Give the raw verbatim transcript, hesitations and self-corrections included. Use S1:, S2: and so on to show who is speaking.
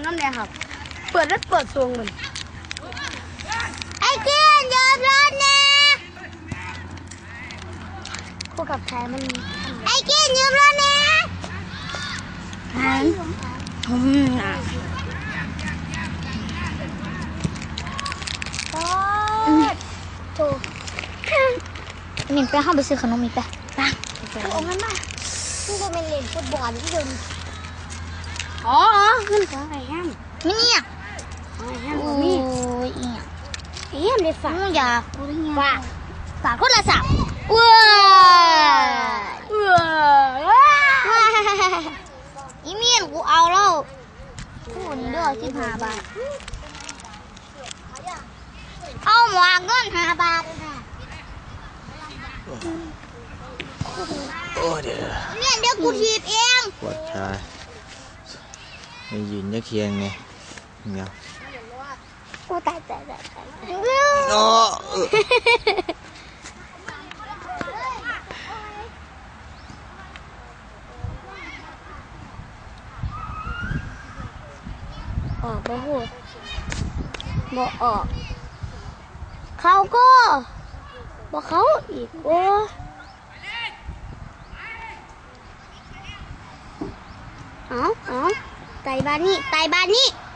S1: น้ำเนี่ยครับเปิดแล้วเปิดซวงเหมือน
S2: ไอ้เกี้ยนยอมรถนะ
S1: คู่กับแท้มัน
S2: ไอ้เกี้ยนยอมรถนะ
S1: ฮันอืมอ่ะ
S2: ถูกมินไปห้องไปซื้อขนมมินไปไป
S1: เอางั้นมา
S2: ที่จะเป็นเล่นฟุตบอลที่เดิน
S1: อ๋อขึ้นของไอ้แฮม
S2: มิเนี่ย
S1: ไอ้แฮม
S2: โอ้
S1: มี
S2: ยอีย
S1: ไอ้แฮมได้ฝาก
S2: อยาก
S1: ฝาก
S2: ฝากโทรศัพท์ว้า
S1: เออ
S2: อีเมียนกูเอาแล้วพูดนี่ด้วยสิบห้าบาทเอาหมวกเงินห้าบาท
S3: โอ้เดี๋ยว
S2: เมียนเดี๋ยวกูถีบเอง
S3: ปวดขาไม่ยืนยักเคียงไงเงี้ย
S2: กูตายตายตายตาย
S3: โอ้
S2: ออกไปพูดบอกออกเขาก็บอกเขาอีกโอ้เอาเอาไต่บ้านนี้ไต่บ้านนี้